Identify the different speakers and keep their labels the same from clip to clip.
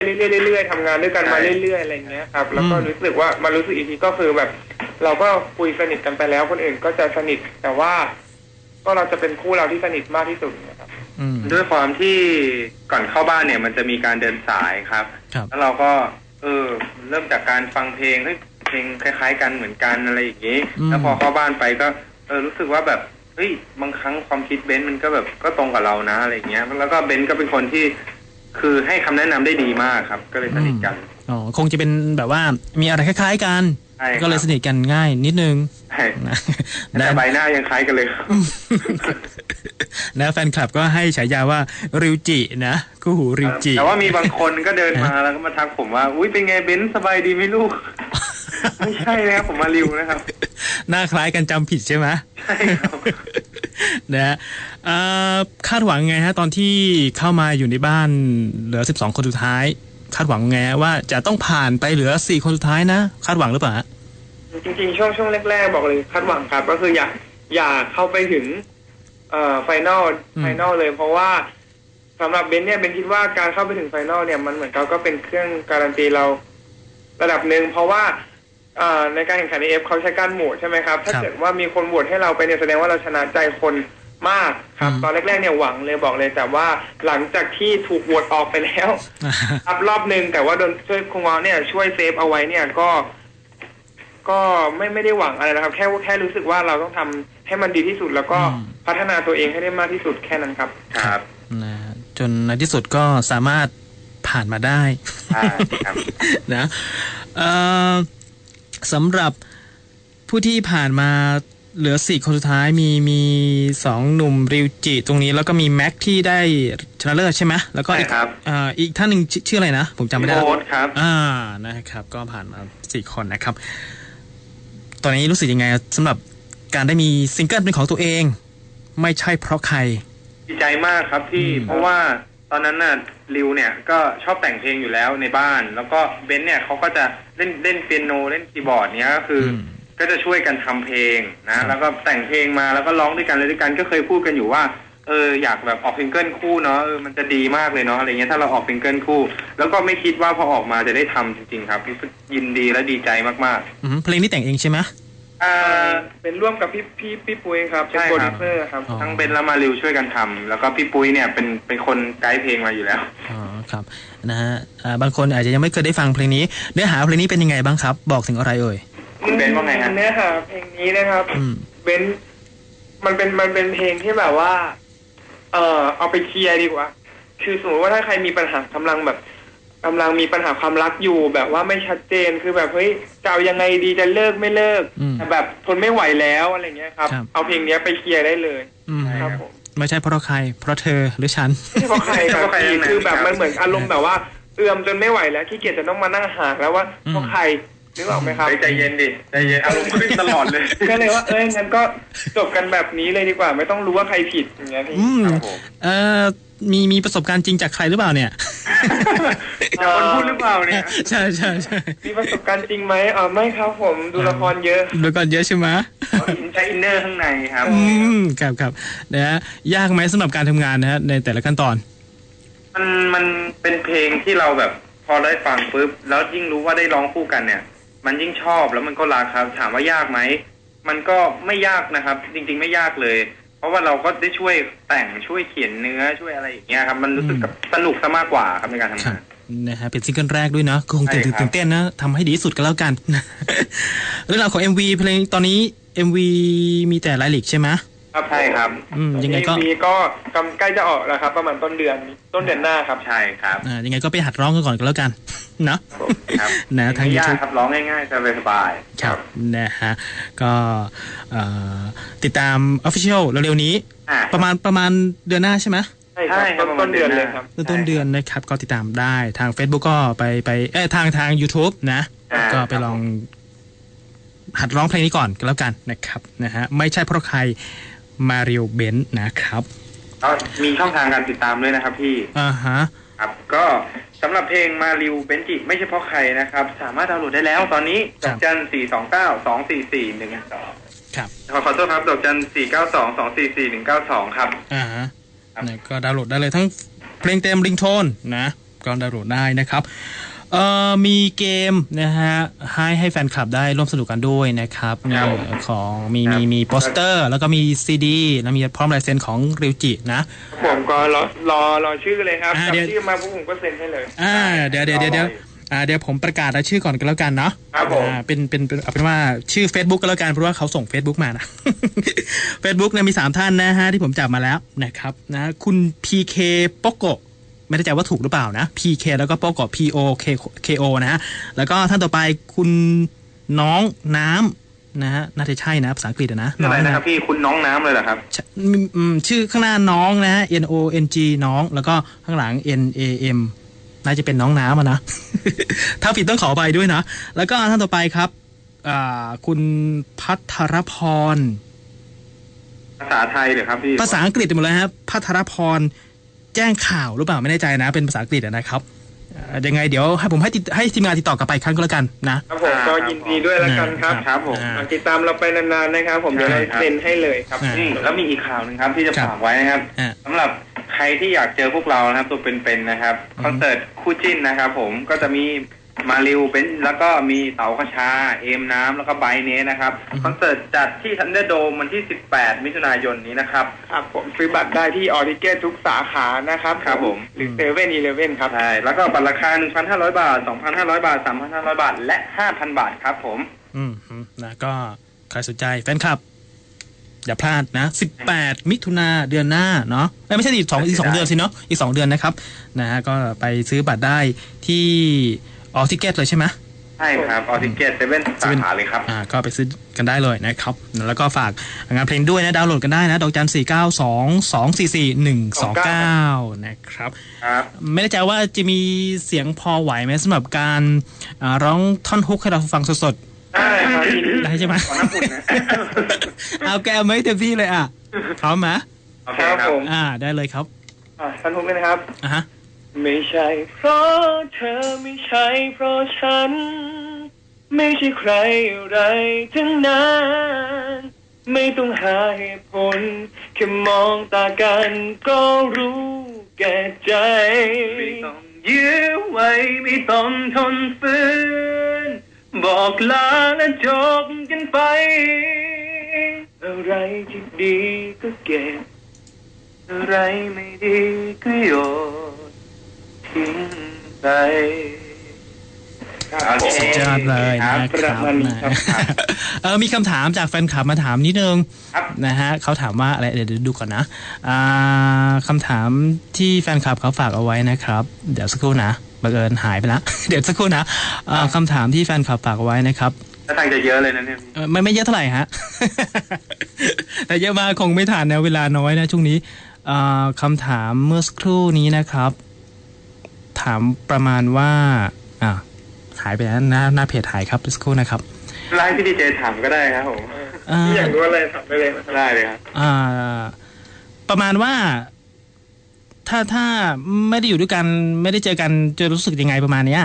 Speaker 1: เรื่อยๆทำงานด้วยกันมาเรื่อยๆอะไรเงี้ยครับแล้วก็รู้สึกว่ามารู้สึกอีกทีก็คือแบบเราก็คุยสนิทกันไปแล้วคนอื่นก็จะสนิทแต่ว่าก็เราจะเป็นคู่เราที่สนิทมากที่สุดนะครับ
Speaker 2: ด้วยความที่ก่อนเข้าบ้านเนี่ยมันจะมีการเดินสายครับแล้วเราก็เริ่มจากการฟังเพลงเพลงคล้ายๆกันเหมือนกันอะไรอย่างนี้แล้วพอเข้าบ้านไปก็รู้สึกว่าแบบเฮ้ยบางครั้งความคิดเบนซ์มันก็แบบก็ตรงกับเรานะอะไรเงี้ยแล้วก็เบนซ์ก็เป็นคนที่คือให้คำแนะนำได้ดีมากครับก็เลยสนิทกัน
Speaker 3: คงจะเป็นแบบว่ามีอะไรคล้ายๆกันก็เลยสนิทกันง่ายนิดนึง
Speaker 2: แต่ใบหน้ายังคล้ายกันเลย
Speaker 3: นะแฟนคลับก็ให้ฉายาว่าริวจินะคู่หูริวจิ
Speaker 2: แต่ว่ามีบางคนก็เดินมาแล้วก็มาทักผมว่าอุ้ยเป็นไงเบนซ์สบายดีไหมลูกไม่ใช่นะครับผมมาริวนะครับ
Speaker 3: หน้าคล้ายกันจำผิดใช่ไหม
Speaker 2: ใช่ครับ
Speaker 3: นะคาดหวังไงฮะตอนที่เข้ามาอยู่ในบ้านเหลือ12คนสุดท้ายคาดหวังไงว่าจะต้องผ่านไปเหลือ4คนสุดท้ายนะคาดหวังหรือเปล่า
Speaker 1: จริงๆช่วงแรกๆบอกเลยคาดหวังครับก็คืออยากเข้าไปถึงไฟนอลเลยเพราะว่าสำหรับเบนเนี่ยเบนคิดว่าการเข้าไปถึงไฟนอลเนี่ยมันเหมือนก็เป็นเครื่องการันตีเราระดับหนึ่งเพราะว่าในการแข่งขันในเขาใช้การโหวตใช่ไหมครับถ้าเกิดว่ามีคนโหวตให้เราไปเนี่ยแสดงว่าเราชนะใจคนมากครับตอนแรกๆเนี่ยหวังเลยบอกเลยแต่ว่าหลังจากที่ถูกโหวตออกไปแล้วครับรอบนึงแต่ว่าโดนช่วยคงเนี่ยช่วยเซฟเอาไว้เนี่ยก็ไม่ได้หวังอะไรนะครับแค่รู้สึกว่าเราต้องทำให้มันดีที่สุดแล้วก็พัฒนาตัวเองให้ได้มากที่สุดแค่นั้นครับ
Speaker 2: ครับ
Speaker 3: จนในที่สุดก็สามารถผ่านมาได้
Speaker 2: ครับ
Speaker 3: นะสำหรับผู้ที่ผ่านมาเหลือ4คนสุดท้ายมี2หนุ่มริวจิตรงนี้แล้วก็มีแม็กที่ได้ชนะเลิศใช่ไหมแล้วก็อีกท่านหนึ่งชื่ออะไรนะผมจำไม่ได้
Speaker 2: โค้ดครับ
Speaker 3: นะครับก็ผ่านมา4คนนะครับตอนนี้รู้สึกยังไงสำหรับการได้มีซิงเกิลเป็นของตัวเองไม่ใช่เพราะใคร
Speaker 2: ดีใจมากครับพี่เพราะว่าตอนนั้นน่ะริวเนี่ยก็ชอบแต่งเพลงอยู่แล้วในบ้านแล้วก็เบนเนี่ยเขาก็จะเล่นเปียโนเล่นคีย์บอร์ดเนี้ยก็คือก็จะช่วยกันทำเพลงนะแล้วก็แต่งเพลงมาแล้วก็ร้องด้วยกันเลยด้วยกันก็เคยพูดกันอยู่ว่าอยากแบบออกซิงเกิลคู่เนาะมันจะดีมากเลยเนาะอะไรเงี้ยถ้าเราออกซิงเกิลคู่แล้วก็ไม่คิดว่าพอออกมาจะได้ทำจริงๆครับรู้สึกยินดีและดีใจมาก
Speaker 3: ๆเพลงนี้แต่งเองใช่ไหม
Speaker 1: เป็นร่วมกับพี่ปุ้ยครับเป็นโปรดิวเซอร์ครับ
Speaker 2: ทั้งเบนและมาริวช่วยกันทำแล้วก็พี่ปุ้ยเนี่ยเป็นคนไกด์เพลงมาอยู่แล้ว
Speaker 3: ครับนะฮะบางคนอาจจะยังไม่เคยได้ฟังเพลงนี้เนื้อหาเพลงนี้เป็นยังไงบ้างครับบอกถึงอะไรเอ่ย
Speaker 2: คุณเบนว่าไงฮะ
Speaker 1: เนื้อหาเพลงนี้นะครับเบนมันเป็นเพลงที่แบบว่าเอาไปเคลียร์ดีกว่าคือสมมติว่าถ้าใครมีปัญหากำลังมีปัญหาความรักอยู่แบบว่าไม่ชัดเจนคือแบบเฮ้ยจะเอายังไงดีจะเลิกไม่เลิกแต่แบบทนไม่ไหวแล้วอะไรเงี้ยครับเอาเพลงนี้ไปเคลียร์ได้เลยครับผม
Speaker 3: ไม่ใช่เพราะใครเพราะเธอหรือฉัน
Speaker 1: ไม่เพราะใครครับคือแบบมันเหมือนอารมณ์แบบว่าเอื้อมจนไม่ไหวแล้วขี้เกียจจะต้องมานั่งหาแล้วว่าเพราะใครนึกออกไหมครับ
Speaker 2: ใจเย็นดิใจเย็นอารมณ์ขึ้นตลอดเลย
Speaker 1: ก็เลยว่างั้นก็จบกันแบบนี้เลยดีกว่าไม่ต้องรู้ว่าใครผิดอย่างเงี้ยพี่
Speaker 3: มีประสบการณ์จริงจากใครหรือเปล่าเนี่ย
Speaker 2: จากคนพูดหรือเปล่าเนี่ย
Speaker 3: ใช่
Speaker 1: มีประสบการณ์จริงไหมไม่ครับผมดูละครเยอะ
Speaker 3: ดูละครเยอะใช่ไหม
Speaker 2: ใช้อินเนอร์ข้างในครับ
Speaker 3: ครับนะฮะยากไหมสำหรับการทำงานนะฮะในแต่ละขั้นตอน
Speaker 2: มันเป็นเพลงที่เราแบบพอได้ฟังปุ๊บแล้วยิ่งรู้ว่าได้ร้องคู่กันเนี่ยมันยิ่งชอบแล้วมันก็รักครับถามว่ายากไหมมันก็ไม่ยากนะครับจริงๆไม่ยากเลยเพราะว่าเราก็ได้ช่วยแต่งช่วยเขียนเนื้อช่วยอะไรอย่างเงี้ยครับมันรู้สึกกับสนุกซะมากกว่าครับในการทำงาน
Speaker 3: นะฮะเป็นซิงเกิลแรกด้วยนะคงตื่นเต้นนะทำให้ดีที่สุดกันแล้วกันเรื่องราวของ MV เพลงตอนนี้ MV มีแต่รายละเอียดใช่ไหม
Speaker 2: ครับใช่ครับ
Speaker 1: ยังไงก็ใกล้จะออกแล้วครับประมาณต้นเดือนหน้าครับ
Speaker 2: ใช่ครับ
Speaker 3: ยังไงก็ไปหัดร้องกันก่อนก็แล้วกันเนาะนะทาง
Speaker 2: YouTube ครับร้องง่ายๆสบาย
Speaker 3: ๆครับนะฮะก็ติดตาม Official เร็วๆนี้ประมาณเดือนหน้าใช่ไหม
Speaker 1: ใช่ครับต้นเดือนเลยครับ
Speaker 3: ต้นเดือนนะครับก็ติดตามได้ทาง Facebook ก็ไปทาง YouTube นะก็ไปลองหัดร้องเพลงนี้ก่อนก็แล้วกันนะครับนะฮะไม่ใช่เพราะใครมาริโอเบนซ์นะครับ
Speaker 2: มีช่องทางการติดตามด้วยนะครับพี่ครับก็สำหรับเพลงมาริโอเบนจิไม่ใช่เพราะใครนะครับสามารถดาวน์โหลดได้แล้วตอนนี้ดอกจัน429244112
Speaker 3: ครับ
Speaker 2: ขอโทษครับดอกจัน492244192ครับ
Speaker 3: ก็ดาวน์โหลดได้เลยทั้งเพลงเต็มริงโทนนะก็ดาวน์โหลดได้นะครับมีเกมนะฮะให้แฟนคลับได้ร่วมสนุกกันด้วยนะครับของมีโปสเตอร์แล้วก็มีซีดีแล้วมีพร้อมลายเซ็นของริวจินะ
Speaker 1: ผมก็รอชื่อเลยครับจับชื่อมาพวกผมก็เซ็นให้เลย
Speaker 3: เดี๋ยวผมประกาศรายชื่อก่อนกันแล้วกันเนาะ
Speaker 1: ครับผม
Speaker 3: เป็นว่าชื่อ Facebook ก็แล้วกันเพราะว่าเขาส่ง Facebook มานะ Facebook เนี่ยมี3ท่านนะฮะที่ผมจับมาแล้วนะครับนะคุณ PK โปโกไม่แน่ใจว่าถูกหรือเปล่านะ PK แล้วก็โปโก POKO นะฮะแล้วก็ท่านต่อไปคุณน้องน้ำนะฮะน่าจะใช่นะภาษาอังกฤษนะ
Speaker 2: อะไรนะครับพี่คุณน้องน้ำเลยเหรอครับ
Speaker 3: ชื่อข้างหน้าน้องนะฮะ NONG น้องแล้วก็ข้างหลัง NAMน่าจะเป็นน้องน้ำนะ ถ้าผิดต้องขอไปด้วยนะแล้วก็ท่านต่อไปครับคุณภัทรพร
Speaker 2: ภาษาไทยเหรอครับพี่
Speaker 3: ภาษาอังกฤษหมดเลยครับภัทรพรแจ้งข่าวหรือเปล่าไม่แน่ใจนะเป็นภาษาอังกฤษนะครับยังไงเดี๋ยวให้ทีมงานติดต่อกลับไปครั้งก็แล้วกันนะครับ
Speaker 1: ผมก็ยินดีด้วยแล้วกัน
Speaker 2: ครับผม
Speaker 1: ติดตามเราไปนานๆนะครับผมเดี๋ยวเราเซ็นให้เลยครับ
Speaker 2: แล้วมีอีกข่าวนึงครับที่จะฝากไว้นะครับสำหรับใครที่อยากเจอพวกเรานะครับตัวเป็นๆนะครับคอนเสิร์ตคู่จิ้นนะครับผมก็จะมีมาริวเป็นแล้วก็มีเต๋าขชาเอมน้ำแล้วก็ไบเนสนะครับคอนเสิร์ตจัดที่ทันเดอร์โดมวันที่18มิถุนายนนี้นะครับ
Speaker 1: ครับผมซื้อบัตรได้ที่ออริเกตทุกสาขานะครับ
Speaker 2: ครับผม
Speaker 1: หรือ7-Eleven ครับ
Speaker 2: ใช่แล้วก็บัตรราคา 1,500 บาท 2,500 บาท 3,500 บาทและ 5,000 บาทครับผม
Speaker 3: นะก็ใครสนใจแฟนคลับอย่าพลาดนะ18มิถุนาเดือนหน้าเนาะไม่ใช่อีก2เดือนสิเนาะอีก2เดือนนะครับนะฮะก็ไปซื้อบัตรได้ที่ออทิเกตเลยใช่ไหม
Speaker 2: ใช่ครับออทิเกต7สาขาเลยครับ
Speaker 3: ก็ไปซื้อกันได้เลยนะครับแล้วก็ฝากงานเพลงด้วยนะดาวน์โหลดกันได้นะดอกจัน492244129นะครับไม่แน่ใจว่าจะมีเสียงพอไหวไหมสำหรับการร้องท่อนฮุกให้เราฟังสดได้ใช่ไหม
Speaker 2: ขอน้ำอุ่นนะ
Speaker 3: เอาแก้วไม่เต็มที่เลยพร้อมไหม
Speaker 2: ครับผม
Speaker 3: ได้เลยครับ
Speaker 1: ท่านฮุกเลยนะครับไม่ใช่เพราะเธอไม่ใช่เพราะฉันไม่ใช่ใครอะไรทั้งนั้นไม่ต้องหาเหตุผลแค่มองตากันก็รู้แก่ใจ
Speaker 2: ไม่ต้องยื้อไว้ไม่ต้องทนฝืนบอกลาและจบกันไป
Speaker 1: อะไรที่ดีก็เก็บอะไรไม่ดีก็โยนทิ้งไป
Speaker 3: สุดยอดเลยนะครับมีคำถามจากแฟนคลับมาถามนิดนึงนะฮะเขาถามว่าอะไรเดี๋ยวดูก่อนนะคำถามที่แฟนคลับเขาฝากเอาไว้นะครับเดี๋ยวสักครู่นะบังเอิญหายไปแล้วเดี๋ยวสักครู่นะคำถามที่แฟนคลับฝากเอาไว้นะครับ
Speaker 2: ถ้าทางจะเยอะเลยนะเนี่ย
Speaker 3: ไม่เยอะเท่าไหร่ฮะ แต่เยอะมากคงไม่ทันนะเวลาน้อยนะช่วงนี้คำถามเมื่อสักครู่นี้นะครับถามประมาณว่าหายไปแล้วหน้าเพจหายครับสักครู่นะครับ
Speaker 2: ไลน์พี่ดีเจถามก็ได้ครับผม
Speaker 1: ที่อยากรู้อะไรถามได้เลย
Speaker 2: ได้เลยครับ
Speaker 3: ประมาณว่าถ้าไม่ได้อยู่ด้วยกันไม่ได้เจอกันจะรู้สึกยังไงประมาณเนี้ย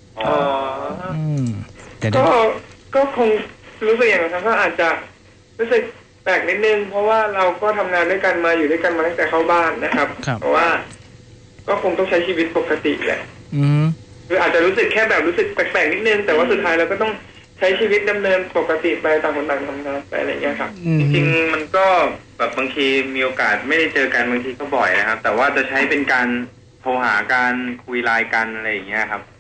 Speaker 1: ก็คงรู้สึกอย่างนั้นก็อาจจะรู้สึกแปลกนิดนึงเพราะว่าเราก็ทำงานด้วยกันมาอยู่ด้วยกันมาตั้งแต่เข้าบ้านนะครับเพราะว่าก็คงต้องใช้ชีวิตปกติแหละคืออาจจะรู้สึกแค่แบบรู้สึกแปลกๆนิดนึงแต่ว่าสุดท้ายเราก็ต้องใช้ชีวิตดำเนินปกติไปต่างคนต่างทำงานไปอะไรอย่างเงี้ยครับ
Speaker 2: จริงๆมันก็แบบบางทีมีโอกาสไม่ได้เจอกันบางทีก็บ่อยนะครับแต่ว่าจะใช้เป็นการโทรหาการคุยไลน์กันอะไรอย่างเงี้ยครับ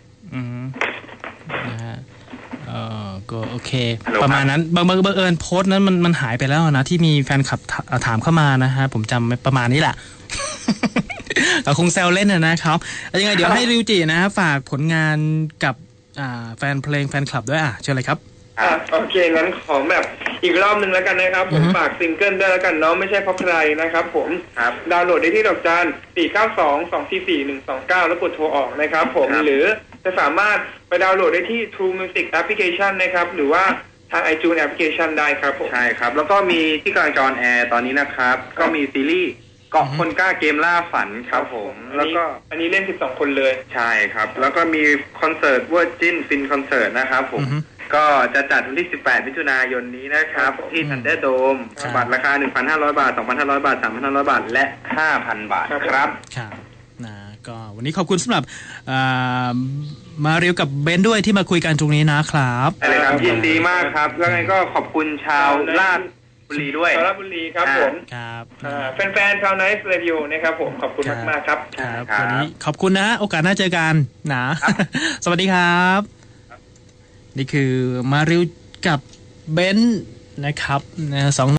Speaker 3: ก็โอเคประมาณนั้นบังเอิญโพสต์นั้นมันหายไปแล้วนะที่มีแฟนคลับถามเข้ามานะฮะผมจำประมาณนี้แหละ คงแซวเล่นนะครับยังไงเดี๋ยวให้ริวจินะฝากผลงานกับแฟนเพลงแฟนคลับด้วยเชิญเลยครับ
Speaker 1: โอเคงั้นขอแบบอีกรอบนึงแล้วกันนะครับผมฝากซิงเกิลด้วยแล้วกันเนาะไม่ใช่เพราะใครนะครับผมดาวน์โหลดได้ที่ดอกจัน492244129แล้วกดโทรออกนะครับผมหรือจะสามารถไปดาวน์โหลดได้ที่ True Music Application นะครับหรือว่าทาง iTunes Application ได้ครับผม
Speaker 2: ใช่ครับแล้วก็มีที่กำลังจออนแอร์ตอนนี้นะครับก็มีซีรีส์เกาะคนกล้าเกมล่าฝันครับผมแล้วก็
Speaker 1: อันนี้เล่น12คนเลย
Speaker 2: ใช่ครับแล้วก็มีคอนเสิร์ตเวอร์จินฟินคอนเสิร์ตนะครับผมก็จะจัดวันที่18มิถุนายนนี้นะครับที่ทันเดอร์โดมบัตรราคา 1,500 บาท 2,500 บาท 3,500 บาทและ 5,000 บาทครับ
Speaker 3: ครับนะก็วันนี้ขอบคุณสำหรับมาเรียวกับเบนด้วยที่มาคุยกันตรงนี้นะครับ
Speaker 2: อะไรครับยินดีมากครับแล้วไงก็ขอบคุณชาวลาดบุรีด้วย
Speaker 1: ชาวลาดบุรีครับผม
Speaker 3: ครับ
Speaker 1: แฟนๆชาวไนท์เรดิโอนะครับผมขอบคุณมากๆครับ
Speaker 3: วันนี้ขอบคุณนะโอกาสหน้าเจอกันนะสวัสดีครับนี่คือมาเรียวกับเบนนะครับ2